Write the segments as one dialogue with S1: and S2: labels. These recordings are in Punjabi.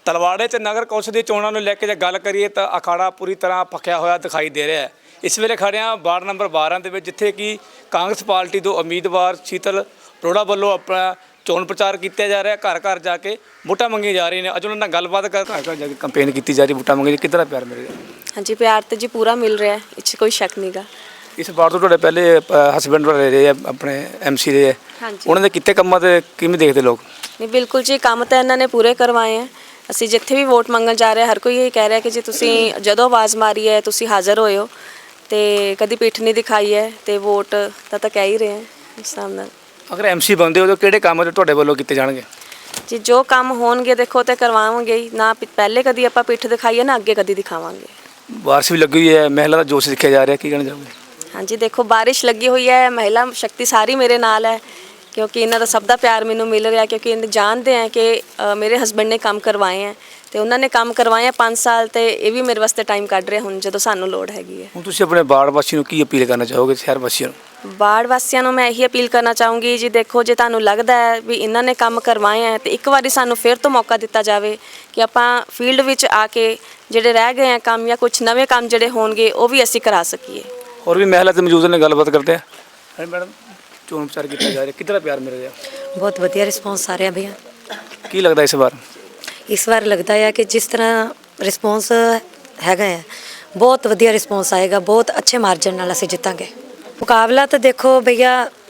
S1: ਤਲਵਾੜੇ 'ਚ ਨਗਰ ਕੌਂਸਲ ਦੀ ਚੋਣਾਂ ਨੂੰ ਲੈ ਕੇ ਜੇ ਗੱਲ ਕਰੀਏ ਤਾਂ ਅਖਾੜਾ ਪੂਰੀ ਤਰ੍ਹਾਂ ਭਖਿਆ ਹੋਇਆ ਦਿਖਾਈ ਦੇ ਰਿਹਾ ਹੈ। ਇਸ ਵੇਲੇ ਖੜ੍ਹੇ ਹਾਂ ਵਾਰਡ ਨੰਬਰ 12 ਦੇ ਵਿੱਚ, ਜਿੱਥੇ ਕਿ ਕਾਂਗਰਸ ਪਾਰਟੀ ਤੋਂ ਉਮੀਦਵਾਰ ਸ਼ੀਤਲ ਅਰੋੜਾ ਵੱਲੋਂ ਆਪਣਾ ਚੋਣ ਪ੍ਰਚਾਰ ਕੀਤਾ ਜਾ ਰਿਹਾ। ਘਰ ਘਰ ਜਾ ਕੇ ਵੋਟਾਂ ਮੰਗੀਆਂ ਜਾ ਰਹੀਆਂ ਨੇ। ਅੱਜ ਉਹਨਾਂ ਨਾਲ ਗੱਲਬਾਤ ਘਰ ਘਰ ਜਾ ਕੇ ਕੰਪੇਨ ਕੀਤੀ ਜਾ ਰਹੀ, ਵੋਟਾਂ ਮੰਗੀ। ਕਿੱਦਾਂ ਪਿਆਰ ਮਿਲ ਰਿਹਾ?
S2: ਹਾਂਜੀ, ਪਿਆਰ ਤਾਂ ਜੀ ਪੂਰਾ ਮਿਲ ਰਿਹਾ, ਇਹ 'ਚ ਕੋਈ ਸ਼ੱਕ ਨਹੀਂ ਗਾ।
S1: ਇਸ ਵਾਰ ਤੋਂ ਤੁਹਾਡੇ ਪਹਿਲੇ ਹਸਬੈਂਡ ਰਹੇ ਆ, ਆਪਣੇ MC ਰਹੇ ਆ,
S2: ਹਾਂਜੀ,
S1: ਉਹਨਾਂ ਦੇ ਕੀਤੇ ਕੰਮਾਂ ਤੇ ਕਿਵੇਂ ਦੇਖਦੇ ਲੋਕ?
S2: ਨਹੀਂ ਬਿਲਕੁਲ ਜੀ, ਕੰਮ ਤਾਂ ਇਹਨਾਂ ਨੇ ਪੂਰੇ ਕਰਵਾਏ ਹੈ। ਅਸੀਂ ਜਿੱਥੇ ਵੀ ਵੋਟ ਮੰਗਣ ਜਾ ਰਹੇ, ਹਰ ਕੋਈ ਇਹ ਕਹਿ ਰਿਹਾ ਕਿ ਜੀ ਤੁਸੀਂ ਜਦੋਂ ਆਵਾਜ਼ ਮਾਰੀ ਹੈ ਤੁਸੀਂ ਹਾਜ਼ਰ ਹੋਏ ਹੋ, ਅਤੇ ਕਦੀ ਪਿੱਠ ਨਹੀਂ ਦਿਖਾਈ ਹੈ, ਅਤੇ ਵੋਟ ਤਾਂ ਕਹਿ ਹੀ ਰਹੇ ਹੈ ਇਸ ਹਿਸਾਬ ਨਾਲ।
S1: ਅਗਰ MC ਬਣਦੇ ਹੋ ਤਾਂ ਕਿਹੜੇ ਕੰਮ ਤੁਹਾਡੇ ਵੱਲੋਂ ਕੀਤੇ ਜਾਣਗੇ?
S2: ਜੀ ਜੋ ਕੰਮ ਹੋਣਗੇ ਦੇਖੋ ਤਾਂ ਕਰਵਾਵਾਂਗੇ ਹੀ ਨਾ। ਪਹਿਲੇ ਕਦੀ ਆਪਾਂ ਪਿੱਠ ਦਿਖਾਈਏ ਨਾ ਅੱਗੇ ਕਦੀ ਦਿਖਾਵਾਂਗੇ।
S1: ਬਾਰਿਸ਼ ਵੀ ਲੱਗੀ ਹੋਈ ਹੈ, ਮਹਿਲਾ ਦਾ ਜੋਸ਼ ਦੇਖਿਆ ਜਾ ਰਿਹਾ, ਕੀ ਕਹਿਣਾ ਚਾਹੋਗੇ?
S2: ਹਾਂਜੀ ਦੇਖੋ, ਬਾਰਿਸ਼ ਲੱਗੀ ਹੋਈ ਹੈ, ਮਹਿਲਾ ਸ਼ਕਤੀ ਸਾਰੀ ਮੇਰੇ ਨਾਲ ਹੈ, ਕਿਉਂਕਿ ਇਹਨਾਂ ਦਾ ਸਭ ਦਾ ਪਿਆਰ ਮੈਨੂੰ ਮਿਲ ਰਿਹਾ। ਕਿਉਂਕਿ ਇਹ ਜਾਣਦੇ ਹੈ ਕਿ ਮੇਰੇ ਹਸਬੈਂਡ ਨੇ ਕੰਮ ਕਰਵਾਏ ਹੈ, ਅਤੇ ਉਹਨਾਂ ਨੇ ਕੰਮ ਕਰਵਾਏ 5 ਸਾਲ, ਅਤੇ ਇਹ ਵੀ ਮੇਰੇ ਵਾਸਤੇ ਟਾਈਮ ਕੱਢ ਰਹੇ ਹੁਣ ਜਦੋਂ ਸਾਨੂੰ ਲੋੜ ਹੈਗੀ ਹੈ।
S1: ਹੁਣ ਤੁਸੀਂ ਆਪਣੇ ਵਾਰਡ ਵਾਸੀ ਨੂੰ ਕੀ ਅਪੀਲ ਕਰਨਾ ਚਾਹੋਗੇ, ਸ਼ਹਿਰ ਵਾਸੀਆਂ ਨੂੰ?
S2: ਵਾਰਡ ਵਾਸੀਆਂ ਨੂੰ ਮੈਂ ਇਹੀ ਅਪੀਲ ਕਰਨਾ ਚਾਹੂੰਗੀ ਜੀ, ਦੇਖੋ ਜੇ ਤੁਹਾਨੂੰ ਲੱਗਦਾ ਹੈ ਵੀ ਇਹਨਾਂ ਨੇ ਕੰਮ ਕਰਵਾਏ ਹੈ, ਅਤੇ ਇੱਕ ਵਾਰੀ ਸਾਨੂੰ ਫਿਰ ਤੋਂ ਮੌਕਾ ਦਿੱਤਾ ਜਾਵੇ ਕਿ ਆਪਾਂ ਫੀਲਡ ਵਿੱਚ ਆ ਕੇ ਜਿਹੜੇ ਰਹਿ ਗਏ ਹੈ ਕੰਮ, ਜਾਂ ਕੁਛ ਨਵੇਂ ਕੰਮ ਜਿਹੜੇ ਹੋਣਗੇ ਉਹ ਵੀ ਅਸੀਂ ਕਰਾ ਸਕੀਏ।
S1: ਹੋਰ ਵੀ ਮਹਿਲਾ ਤੇ ਮੌਜੂਦ ਨੇ, ਗੱਲਬਾਤ ਕਰਦੇ ਆ। ਹਾਂਜੀ ਮੈਡਮ, ਚੋਣ ਪ੍ਰਚਾਰ ਕੀਤਾ ਜਾ ਰਿਹਾ, ਕਿੱਦਾਂ ਪਿਆਰ ਮਿਲ ਰਿਹਾ?
S3: ਬਹੁਤ ਵਧੀਆ ਰਿਸਪੌਂਸ ਆ ਰਿਹਾ ਭਈਆ।
S1: ਕੀ ਲੱਗਦਾ ਇਸ ਵਾਰ?
S3: ਇਸ ਵਾਰ ਲੱਗਦਾ ਹੈ ਕਿ ਜਿਸ ਤਰ੍ਹਾਂ ਰਿਸਪੌਂਸ ਹੈਗਾ ਹੈ, ਬਹੁਤ ਵਧੀਆ ਰਿਸਪੌਂਸ ਆਏਗਾ, ਬਹੁਤ ਅੱਛੇ ਮਾਰਜਨ ਨਾਲ ਅਸੀਂ ਜਿੱਤਾਂਗੇ। ਮੁਕਾਬਲਾ ਤਾਂ ਦੇਖੋ ਭਈਆ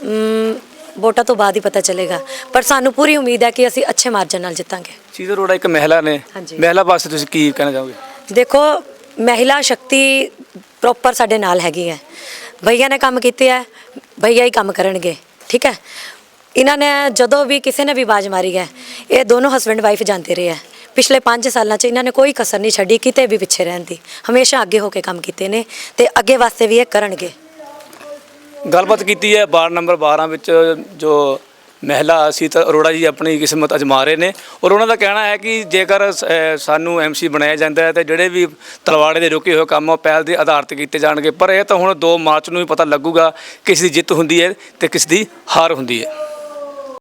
S3: ਵੋਟਾਂ ਤੋਂ ਬਾਅਦ ਹੀ ਪਤਾ ਚੱਲੇਗਾ, ਪਰ ਸਾਨੂੰ ਪੂਰੀ ਉਮੀਦ ਹੈ ਕਿ ਅਸੀਂ ਅੱਛੇ ਮਾਰਜਨ ਨਾਲ ਜਿੱਤਾਂਗੇ।
S1: ਸ਼ੀਤਲ ਅਰੋੜਾ ਇੱਕ ਮਹਿਲਾ ਨੇ, ਮਹਿਲਾ ਵਾਸਤੇ ਤੁਸੀਂ ਕੀ ਕਹਿਣਾ ਚਾਹੋਗੇ?
S3: ਦੇਖੋ, ਮਹਿਲਾ ਸ਼ਕਤੀ ਪ੍ਰੋਪਰ ਸਾਡੇ ਨਾਲ ਹੈਗੀ ਹੈ। ਭਈਆ ਨੇ ਕੰਮ ਕੀਤੇ ਹੈ, ਭਈਆ ਹੀ ਕੰਮ ਕਰਨਗੇ, ਠੀਕ ਹੈ। ਇਹਨਾਂ ਨੇ ਜਦੋਂ ਵੀ ਕਿਸੇ ਨੇ ਵੀ ਆਵਾਜ਼ ਮਾਰੀ ਹੈ, ਇਹ ਦੋਨੋਂ ਹਸਬੈਂਡ ਵਾਈਫ ਜਾਂਦੇ ਰਹੇ ਹੈ। ਪਿਛਲੇ 5 ਸਾਲਾਂ 'ਚ ਇਹਨਾਂ ਨੇ ਕੋਈ ਕਸਰ ਨਹੀਂ ਛੱਡੀ ਕਿਤੇ ਵੀ ਪਿੱਛੇ ਰਹਿਣ ਦੀ, ਹਮੇਸ਼ਾ ਅੱਗੇ ਹੋ ਕੇ ਕੰਮ ਕੀਤੇ ਨੇ, ਅਤੇ ਅੱਗੇ ਵਾਸਤੇ ਵੀ ਇਹ ਕਰਨਗੇ।
S1: ਗੱਲਬਾਤ ਕੀਤੀ ਹੈ ਵਾਰਡ ਨੰਬਰ 12 ਵਿੱਚ, ਜੋ ਮਹਿਲਾ ਸ਼ੀਤਲ ਅਰੋੜਾ ਜੀ ਆਪਣੀ ਕਿਸਮਤ ਅਜ਼ਮਾ ਰਹੇ ਨੇ, ਔਰ ਉਹਨਾਂ ਦਾ ਕਹਿਣਾ ਹੈ ਕਿ ਜੇਕਰ ਸਾਨੂੰ MC ਬਣਾਇਆ ਜਾਂਦਾ ਹੈ ਤਾਂ ਜਿਹੜੇ ਵੀ ਤਲਵਾੜੇ ਦੇ ਰੁਕੇ ਹੋਏ ਕੰਮ ਉਹ ਪਹਿਲ ਦੇ ਆਧਾਰ 'ਤੇ ਕੀਤੇ ਜਾਣਗੇ। ਪਰ ਇਹ ਤਾਂ ਹੁਣ 2 ਮਾਰਚ ਨੂੰ ਹੀ ਪਤਾ ਲੱਗੂਗਾ ਕਿਸ ਦੀ ਜਿੱਤ ਹੁੰਦੀ ਹੈ ਅਤੇ ਕਿਸ ਦੀ ਹਾਰ ਹੁੰਦੀ ਹੈ।